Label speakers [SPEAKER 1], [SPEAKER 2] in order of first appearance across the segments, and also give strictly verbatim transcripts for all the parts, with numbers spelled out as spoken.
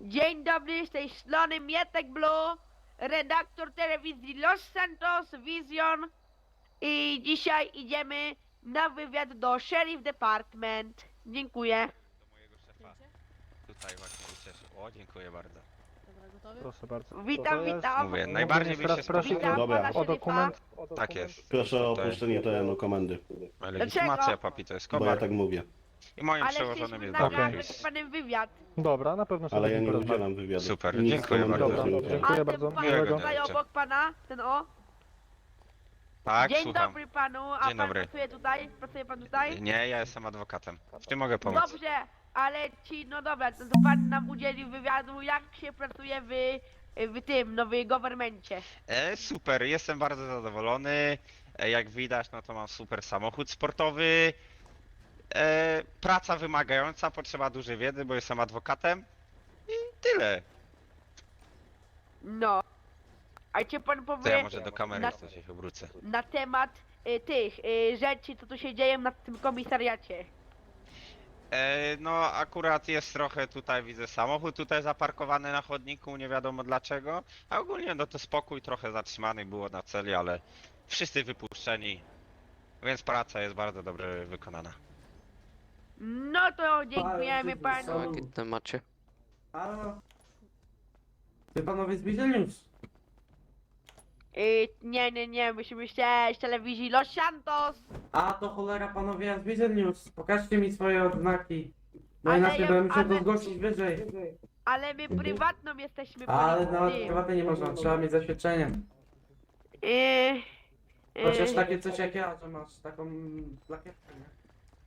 [SPEAKER 1] Dzień dobry, z tej strony Mietek Blue, redaktor telewizji Los Santos Vision i dzisiaj idziemy na wywiad do Sheriff Department. Dziękuję.
[SPEAKER 2] Do mojego szefa. Tutaj właśnie ucieszył. O, dziękuję bardzo.
[SPEAKER 3] Dobra, gotowy?
[SPEAKER 4] Proszę bardzo.
[SPEAKER 1] Witam,
[SPEAKER 4] To jest-
[SPEAKER 1] witam.
[SPEAKER 2] Mówię,
[SPEAKER 4] Ogólnie
[SPEAKER 2] najbardziej by
[SPEAKER 4] teraz
[SPEAKER 2] się
[SPEAKER 4] proszę
[SPEAKER 1] Witam
[SPEAKER 5] Dobra.
[SPEAKER 1] pana
[SPEAKER 4] o
[SPEAKER 1] szeryfa.
[SPEAKER 4] dokument. O dokument.
[SPEAKER 2] Tak jest.
[SPEAKER 5] Proszę o
[SPEAKER 2] Tutaj.
[SPEAKER 5] opuszczenie terenu komendy,
[SPEAKER 2] Legitymacja papi to jest
[SPEAKER 5] bo ja
[SPEAKER 2] kobar.
[SPEAKER 5] tak mówię.
[SPEAKER 2] I moim
[SPEAKER 1] Ale
[SPEAKER 2] przełożonym
[SPEAKER 1] chcieliśmy
[SPEAKER 2] jest
[SPEAKER 4] Okej.
[SPEAKER 1] nagrać
[SPEAKER 2] Dariusz.
[SPEAKER 1] z panem wywiad.
[SPEAKER 4] Dobra, na pewno sobie
[SPEAKER 5] Ale ja
[SPEAKER 4] z nim
[SPEAKER 5] nie
[SPEAKER 4] porozmawiam.
[SPEAKER 5] udzielam wywiadu.
[SPEAKER 2] Super,
[SPEAKER 5] I nic
[SPEAKER 2] dziękuję
[SPEAKER 5] komendy
[SPEAKER 2] bardzo.
[SPEAKER 5] też nie
[SPEAKER 4] Dobra,
[SPEAKER 5] udzielam.
[SPEAKER 4] dziękuję
[SPEAKER 1] A
[SPEAKER 4] bardzo.
[SPEAKER 1] ten pan
[SPEAKER 2] Miłego
[SPEAKER 1] tutaj
[SPEAKER 2] dnia.
[SPEAKER 1] obok pana, ten o.
[SPEAKER 2] Tak,
[SPEAKER 1] Dzień
[SPEAKER 2] słucham.
[SPEAKER 1] dobry panu, a
[SPEAKER 2] Dzień
[SPEAKER 1] pan
[SPEAKER 2] dobry.
[SPEAKER 1] pracuje tutaj? Pracuje pan tutaj?
[SPEAKER 2] Nie, ja jestem adwokatem. W tym mogę pomóc.
[SPEAKER 1] Dobrze, ale ci, no dobra, to, to pan nam udzielił wywiadu, jak się pracuje w, w tym, no w governmencie.
[SPEAKER 2] E, super, jestem bardzo zadowolony. E, jak widać, no to mam super samochód sportowy. E, praca wymagająca, potrzeba dużej wiedzy, bo jestem adwokatem. I tyle.
[SPEAKER 1] No. A cię pan
[SPEAKER 2] To ja
[SPEAKER 1] powie
[SPEAKER 2] może do kamery
[SPEAKER 1] na-
[SPEAKER 2] jeszcze się obrócę.
[SPEAKER 1] na temat y, tych y, rzeczy, co tu się dzieje na tym komisariacie.
[SPEAKER 2] E, no akurat jest trochę tutaj, widzę samochód tutaj zaparkowany na chodniku, nie wiadomo dlaczego. A ogólnie no to spokój, trochę zatrzymanych było na celi, ale wszyscy wypuszczeni. Więc praca jest bardzo dobrze wykonana.
[SPEAKER 1] No to dziękujemy panu.
[SPEAKER 6] W jakim temacie?
[SPEAKER 7] Halo? Ty panowie z Bizelius?
[SPEAKER 1] Y, nie, nie, nie, musimy się z telewizji Los Santos.
[SPEAKER 7] A to cholera panowie, ja z Bizelius. Pokażcie mi swoje odznaki. Bo
[SPEAKER 1] Ale
[SPEAKER 7] inaczej
[SPEAKER 1] ja-
[SPEAKER 7] będę musiał
[SPEAKER 1] ale-
[SPEAKER 7] to zgłosić wyżej.
[SPEAKER 1] Ale my prywatną jesteśmy
[SPEAKER 7] Ale nawet
[SPEAKER 1] policji.
[SPEAKER 7] prywatnie nie można, trzeba mieć zaświadczenie.
[SPEAKER 1] Y, y,
[SPEAKER 7] Chociaż takie coś jak ja, że masz taką plakietkę, nie?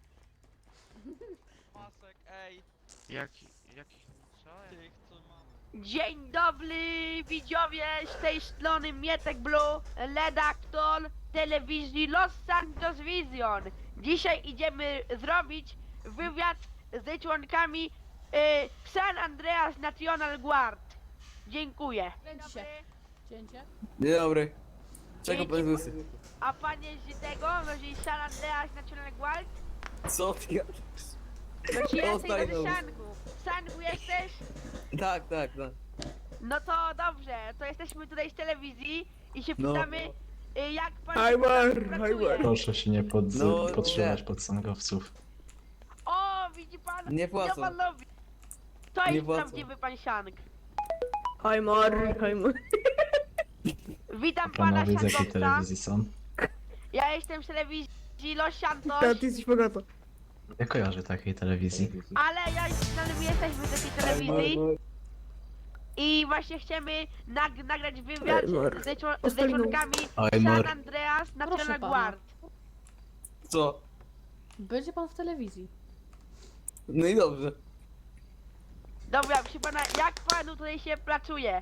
[SPEAKER 8] Masek, ej,
[SPEAKER 2] Jaki, jaki...
[SPEAKER 8] tych co mam.
[SPEAKER 1] Dzień dobry widzowie, z tej strony Mietek Blue, redaktor telewizji Los Santos Vision. Dzisiaj idziemy zrobić wywiad z członkami y, San Andreas National Guard. Dziękuję.
[SPEAKER 3] Kręci się. Cięcie.
[SPEAKER 9] Dzień dobry. Czego
[SPEAKER 1] Dzięki.
[SPEAKER 9] pan łysy?
[SPEAKER 1] A pan jest z tego, no z San Andreas National Guard?
[SPEAKER 9] Co ty gadasz?
[SPEAKER 1] No ci
[SPEAKER 9] O,
[SPEAKER 1] jesteś
[SPEAKER 9] daj
[SPEAKER 1] z
[SPEAKER 9] no.
[SPEAKER 1] Sangu. W Sangu jesteś?
[SPEAKER 9] Tak, tak, tak.
[SPEAKER 1] No to dobrze, to jesteśmy tutaj z telewizji i się
[SPEAKER 9] No.
[SPEAKER 1] pytamy, y, jak pan
[SPEAKER 9] Hajmar,
[SPEAKER 1] pracuje.
[SPEAKER 9] hajmar.
[SPEAKER 10] Proszę się nie pod,
[SPEAKER 9] No,
[SPEAKER 10] podtrzymać
[SPEAKER 9] nie.
[SPEAKER 10] pod sangowców.
[SPEAKER 1] O, widzi pan?
[SPEAKER 9] Nie płacą.
[SPEAKER 1] Co pan robi? To
[SPEAKER 9] Nie
[SPEAKER 1] jest
[SPEAKER 9] płacą.
[SPEAKER 1] prawdziwy pan Siang.
[SPEAKER 9] Hajmar, hajmar.
[SPEAKER 1] Witam pana
[SPEAKER 10] Panowie z jakiej
[SPEAKER 1] Siangowca.
[SPEAKER 10] telewizji są?
[SPEAKER 1] Ja jestem z telewizji Los Santos,
[SPEAKER 9] ty jesteś bogato.
[SPEAKER 10] Nie kojarzę takiej telewizji.
[SPEAKER 1] ale ja ale my jesteśmy z takiej telewizji i właśnie chcemy nag nagrać wywiad
[SPEAKER 9] Hajmar.
[SPEAKER 1] ze, czło- ze członkami San
[SPEAKER 10] Hajmar.
[SPEAKER 1] Andreas National
[SPEAKER 3] Proszę pana.
[SPEAKER 1] Guard.
[SPEAKER 9] Co?
[SPEAKER 3] Będzie pan w telewizji.
[SPEAKER 9] No i dobrze.
[SPEAKER 1] Dobra, proszę pana, jak panu tutaj się pracuje?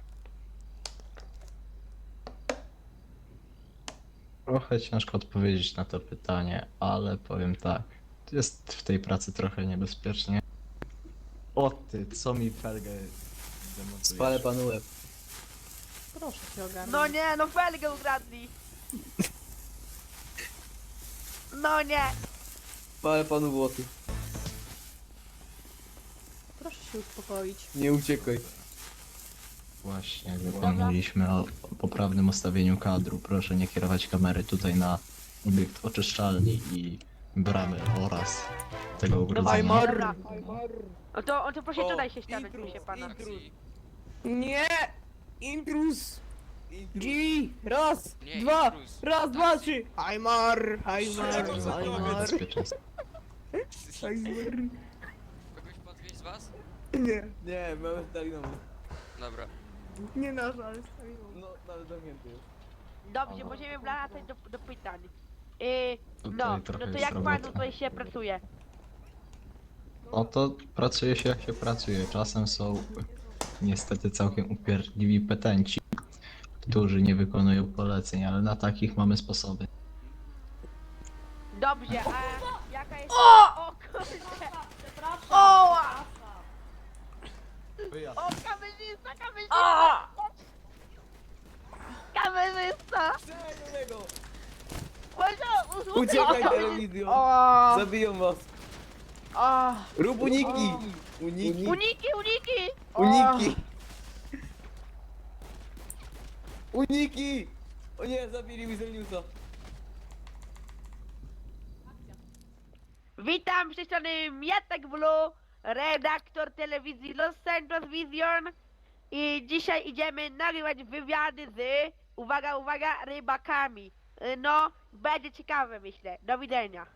[SPEAKER 10] Trochę ciężko odpowiedzieć na to pytanie, ale powiem tak. Jest w tej pracy trochę niebezpiecznie. O ty, co mi felgę demontujesz?
[SPEAKER 9] Spalę panu łeb.
[SPEAKER 3] Proszę się ogarnąć.
[SPEAKER 1] No nie, no felgę ukradli. No nie.
[SPEAKER 9] Spalę panu włosy.
[SPEAKER 3] Proszę się uspokoić.
[SPEAKER 9] Nie uciekaj.
[SPEAKER 10] Właśnie, zapomnieliśmy o, o poprawnym ustawieniu kadru. Proszę nie kierować kamery tutaj na obiekt oczyszczalni i bramy oraz tego ogrodzenia.
[SPEAKER 1] Dobra. No to, to proszę tutaj się stanąć, proszę pana.
[SPEAKER 9] Nie! Intrus! Jimmy! Raz!
[SPEAKER 6] Nie,
[SPEAKER 9] dwa!
[SPEAKER 6] intruz.
[SPEAKER 9] Raz, dwa, trzy! Hajmar! Hajmar!
[SPEAKER 10] Co za
[SPEAKER 9] Hajmar!
[SPEAKER 10] bezpieczeństwo.
[SPEAKER 9] Hajmar!
[SPEAKER 6] Kogoś podwieźć z was?
[SPEAKER 9] Nie, nie, mamy stalinową.
[SPEAKER 6] Dobra.
[SPEAKER 9] Nie nasz, ale stalinową. No, nawet zamknięty jest.
[SPEAKER 1] Dobrze, możemy wracać do, do pytań. Yy,
[SPEAKER 10] Tutaj
[SPEAKER 1] no, no
[SPEAKER 10] trochę
[SPEAKER 1] to
[SPEAKER 10] jest
[SPEAKER 1] jak panu
[SPEAKER 10] roboty.
[SPEAKER 1] tutaj się pracuje?
[SPEAKER 10] No to pracuje się jak się pracuje. Czasem są niestety całkiem upierdliwi petenci, którzy nie wykonują poleceń, ale na takich mamy sposoby.
[SPEAKER 1] Dobrze, a jaka jest... O! O kurde! Oła! O, kamerzysta, kamerzysta! Kamerzysta! Może
[SPEAKER 9] Uciekaj telewizją!
[SPEAKER 1] O!
[SPEAKER 9] Zabiją was!
[SPEAKER 3] A,
[SPEAKER 9] Rób uniki! Uniki!
[SPEAKER 1] Uniki, uniki!
[SPEAKER 9] Uniki! Uniki! O nie, zabili Wizeliusa.
[SPEAKER 1] Witam z tej strony Mietek Blue, redaktor telewizji Los Santos Vision i dzisiaj idziemy nagrywać wywiady z, uwaga, uwaga, rybakami. Y, No, będzie ciekawe myślę. Do widzenia.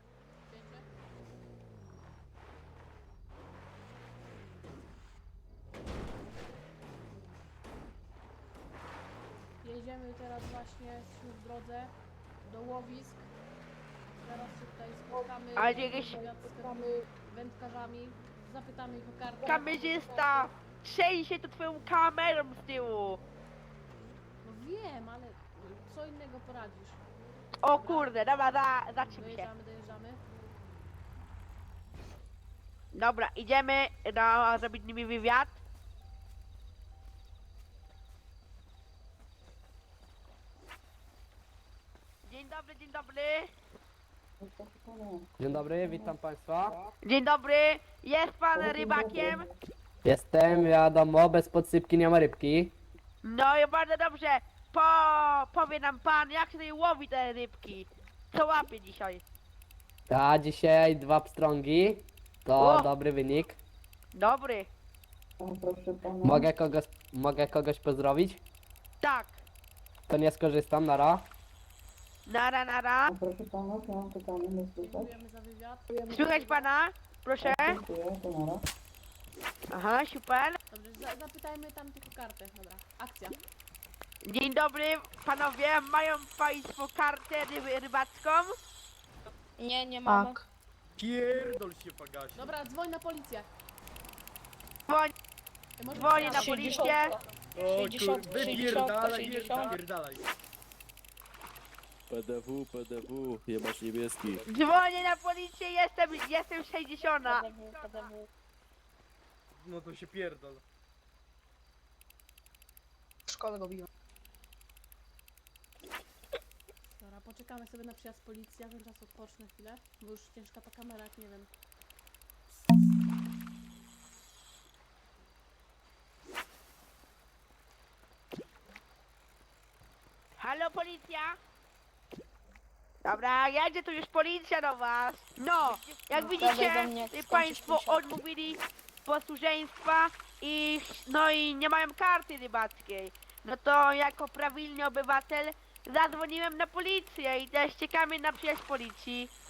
[SPEAKER 3] jedziemy teraz właśnie, jesteśmy w drodze do łowisk. Zaraz się tutaj spotkamy,
[SPEAKER 1] Ale jakieś-
[SPEAKER 3] spotkamy wędkarzami, zapytamy ich o kartę.
[SPEAKER 1] Kamerzysta, trzęsie to twoją kamerą z tyłu.
[SPEAKER 3] No wiem, ale co innego poradzisz.
[SPEAKER 1] O kurde, dobra, za, zaczym się.
[SPEAKER 3] Dojeżdżamy, dojeżdżamy.
[SPEAKER 1] Dobra, idziemy no, zrobić z nimi wywiad. Dzień dobry, dzień dobry.
[SPEAKER 4] Dzień dobry, witam Państwa.
[SPEAKER 1] Dzień dobry, jest pan rybakiem?
[SPEAKER 4] Jestem, wiadomo, bez podsypki nie ma rybki.
[SPEAKER 1] No i bardzo dobrze. Po, powie nam pan, jak się tutaj łowi te rybki. Co łapie dzisiaj?
[SPEAKER 4] A dzisiaj dwa pstrągi. To
[SPEAKER 1] O!
[SPEAKER 4] dobry wynik.
[SPEAKER 1] Dobry.
[SPEAKER 4] Mogę kogoś, mogę kogoś pozdrowić?
[SPEAKER 1] Tak.
[SPEAKER 4] To nie skorzystam, nara.
[SPEAKER 1] Nara, nara.
[SPEAKER 3] Dziękujemy za wywiad.
[SPEAKER 1] Słychać pana? Proszę. Aha, super.
[SPEAKER 3] Dobrze, za, zapytajmy tam tylko kartę. Dobra, akcja.
[SPEAKER 1] Dzień dobry, panowie. Mają państwo kartę ryby, rybacką?
[SPEAKER 5] Nie, nie mamy.
[SPEAKER 9] Pierdol się pagaś.
[SPEAKER 3] Dobra, dzwoń na policję.
[SPEAKER 1] Dzwoń,
[SPEAKER 3] Ty możesz
[SPEAKER 1] dzwonię na
[SPEAKER 3] sprawdzić.
[SPEAKER 1] policję.
[SPEAKER 5] sześćdziesiąt,
[SPEAKER 9] Wypierdalaj,
[SPEAKER 5] sześćdziesiąt.
[SPEAKER 9] wypierdalaj.
[SPEAKER 11] P D W, P D W, jebać niebieski.
[SPEAKER 1] Dzwonię na policję, jestem, jestem sześćdziesiąt.
[SPEAKER 5] P D W, P D W.
[SPEAKER 9] No to się pierdol.
[SPEAKER 5] W szkole go biłem.
[SPEAKER 3] Dobra, poczekamy sobie na przyjazd policji, ja tymczasem odpocznę chwilę, bo już ciężka ta kamera, jak nie wiem.
[SPEAKER 1] Halo, policja? Dobra, jedzie tu już policja do was. No, jak widzicie,
[SPEAKER 5] Dawaj do mnie,
[SPEAKER 1] y,
[SPEAKER 5] skończysz
[SPEAKER 1] państwo
[SPEAKER 5] pięćdziesiąt.
[SPEAKER 1] odmówili posłuszeństwa i no i nie mają karty rybackiej. No to jako prawilny obywatel zadzwoniłem na policję i też czekamy na przyjaźń policji.